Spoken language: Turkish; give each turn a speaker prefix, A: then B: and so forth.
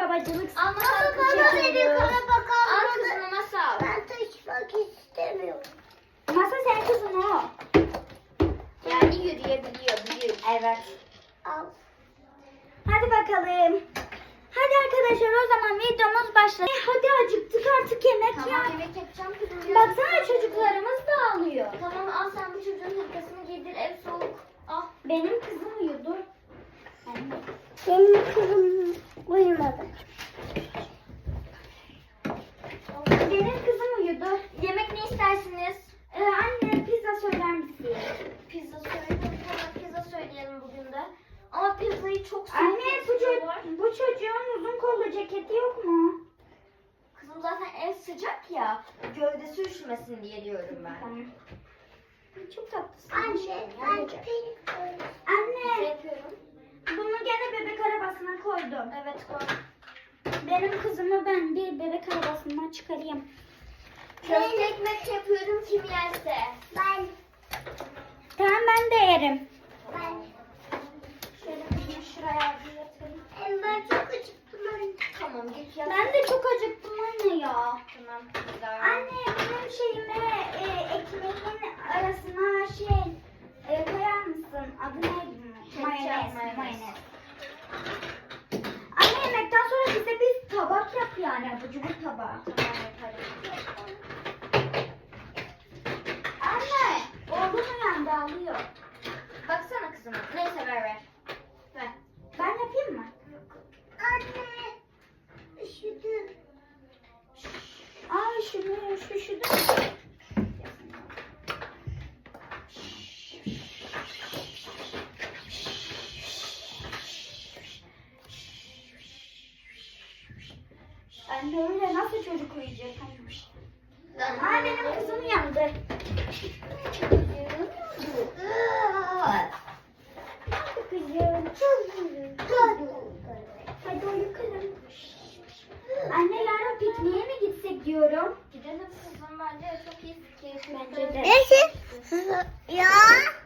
A: babacılık.
B: Ama
C: Baba beni kara
B: Al
C: bakalım.
B: kızına masal.
C: Ben taşımak istemiyorum.
A: Masa senin kızın o.
B: Yani yürüyebiliyor, büyük.
A: Evet.
C: Al.
A: Hadi bakalım. Hadi arkadaşlar o zaman videomuz başladı. Hadi acıktık artık yemek ya.
B: Tamam yemek yapacağım kızım.
A: Baksana çocuklarımız da ağlıyor.
B: Tamam al sen bu çocuğun hırkasını giydir, ev soğuk. Al.
A: Benim kızım uyudu.
C: Benim kızım uyumadı.
A: Benim kızım uyudu.
B: Yemek ne istersiniz?
A: Anne pizza söyler misin?
B: Pizza söyleyelim. Tamam pizza söyleyelim bugün de. Ama pizzayı çok soğuk
A: Anne
B: yapıyorlar.
A: bu çocuğun uzun kollu ceketi yok mu?
B: Kızım zaten ev sıcak ya. Gövdesi üşümesin diye diyorum ben.
A: Tamam. Çok tatlısın.
C: Anne ben
A: Yapacak.
C: pek
A: Anne
B: Yapıyorum.
A: bunu gene bebek arabasına koydum.
B: Evet koy.
A: Benim kızımı ben bir bebek arabasından çıkarayım.
B: Köfte ekmek yapıyorum kim yerse.
C: Ben
A: Tamam ben de yerim.
B: Şöyle kızımı şuraya bir yatırayım.
C: ben çok acıktım anne.
B: Tamam git yat.
A: Ben de çok acıktım anne ya.
B: Tamam güzel.
A: Anne benim şeyime ekmeğin arasına koyar mısın? Adı neydi?
B: Ketçap,
A: Mayonez.
B: mayonez.
A: Anne yemekten sonra bize bir tabak yap yani. Abur cubur tabağı.
B: Tamam yaparım.
A: Anne oğlum uyandı ağlıyor.
B: Baksana kızıma. Neyse ver. Ver.
A: Ben yapayım mı?
C: Anne üşüdüm.
A: Aa şu da. Anne öyle nasıl çocuk uyuyacak? Aa benim kızım uyandı. Kızım. Hadi uyu kızım. Anne yarın pikniğe mi gitsek diyorum.
B: Gidelim kızım bence çok iyi fikir.
A: Bence de.
C: Neyse. Ya.